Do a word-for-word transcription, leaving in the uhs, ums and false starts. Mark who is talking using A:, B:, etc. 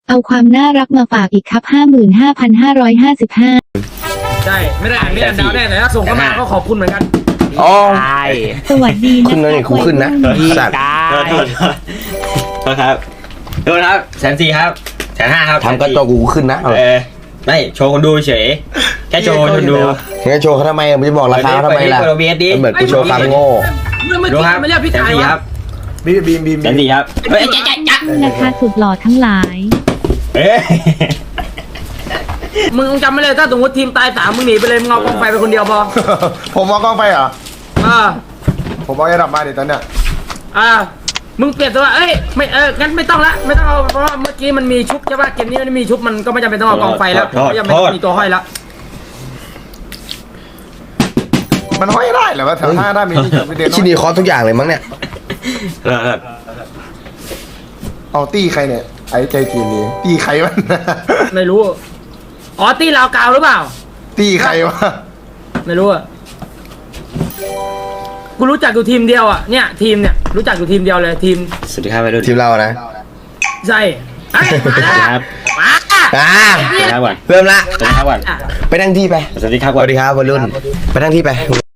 A: เอาความน่ารักมาฝากอีกครับ ห้าหมื่นห้าพันห้าร้อยห้าสิบห้า
B: ใช่ไม่ได้อ่านไม่ได้อ่านดาวแน่แต่ถ้าส่งเข้ามาก็ขอบคุณเหมือนกัน
C: อ๋อ
D: ใช่
A: สวัสดีนะ
C: ขึ้นแล้วนี่กูขึ้นนะ
D: พี่
C: สัตว์
D: กา
E: โทษ
D: ย
E: โทษโทษครับโทษครับแสนสี่ครับแสนห้าครับ
C: ทำกระจกกูขึ้นนะเอา
E: เออไม่โชว์คนดูเฉยแค่โชว์คนดู
C: งั้นโชว์เขาทำไมมึงจะบอกราคาเขาทำไมล่ะ
E: เปิดโอเบียสดิ
C: เหมือนกูโชว์ความโง่
B: เมื่อเมื่อ
E: ดู
B: กี้
E: ครับ
B: ไม่เรียกพี่
E: แสน
B: ตาย
E: สี่
B: วะ
E: ครับ
C: บีมบีมบีม
E: แสนสี่ครับเฮ้ยจ๊ะจ๊ะจ๊ะ
A: นะคะสุดหล่อทั้งหลาย
E: เอ้ย
B: มึงจำไม่เลยถ้าสมมติทีมตายสามมึงหนีไปเลยมึงเอากองไฟไปคนเดียวพอ
F: ผมมองกล้องไปเหรอ
B: อ่า
F: ผมมองไอ้ดับมาเดี๋ยวตอนเนี้ย
B: อ่ามึงเปลี่ยนตัวเอ้ยไม่เอองั้นไม่ต้องละไม่ต้องเอาเพราะว่าเมื่อกี้มันมีชุบใช่ป่ะเกมนี้มันมีชุบมันก็ไม่จำเป็นต้องเอากองไฟแล้วไม่จำเป็นต้องมีตัวห้อยแล้ว
F: มันห้อยได้เหรอวะแถวหน้าหน้ามีที่จุดเด่น
C: ชิ้นนี้คอสทุกอย่างเลยมั้งเนี่ย
E: เออเออ
F: เอาตี้ใครเนี่ย ไอ้ใจจีนนี่ตี้ใครวะ
B: ไม่รู้อ๋อตีลาวกาวหรือเปล่า
F: ตี้ใครวะ
B: ไม่รู้อ่ะกูรู้จักอยู่ทีมเดียวอ่ะเนี่ยทีมเนี่ยรู้จักอยู่ทีมเดียวเลยทีม
E: สวัสดีครับไปดู
C: ทีมเรานะ
B: ใช่เอ้ยมาแล้ว
E: ครับ
B: มา
C: อ่า
E: สวัสดีครับก่อน
C: เริ่มละ
E: สวัสดีครับก่อน
B: อ่ะ
C: ไปนั่งที่ไป
E: สวัสดีครับ
C: ส
E: ก่อน
C: วัสดีครับวัยรุ่นไปนั่งที่ไป